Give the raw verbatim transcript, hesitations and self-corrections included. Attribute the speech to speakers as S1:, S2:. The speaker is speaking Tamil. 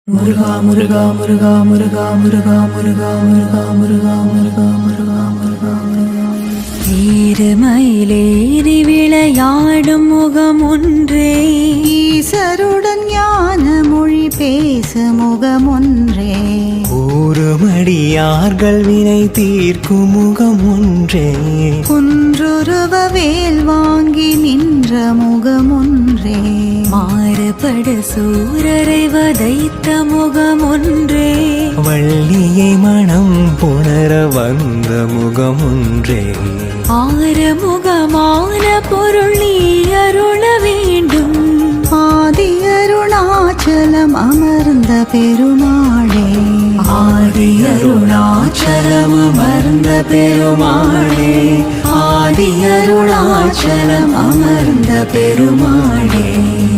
S1: முருகா முருகா முருகா முருகா முருகா முருகா முருகா முருகா முருகா முருகா முருகா முருகா
S2: ஏறுமயிலேறி விளையாடும் முகம் ஒன்றே,
S3: ஈசருடன் ஞான மொழி பேச முகம் ஒன்றே,
S4: கூறுமடியார்கள் வினை தீர்க்கும் முகம் ஒன்றே,
S3: குன்றுருவ வேல் வாங்கி நின்ற முகம் ஒன்றே,
S2: மாறுபட சூரரை வதைத்த முகம் ஒன்றே,
S4: வள்ளியை மனம் புணர வந்த முகம் ஒன்றே,
S2: ஆறுமுகமான பொருள் நீ அருள வேண்டும்,
S3: ஆதி அருணாச்சலம் அமர்ந்த பெருமாளே,
S1: ஆதி அருணாச்சலம் அமர்ந்த பெருமாளே, ஆதி அருணாச்சலம் அமர்ந்த பெருமாளே.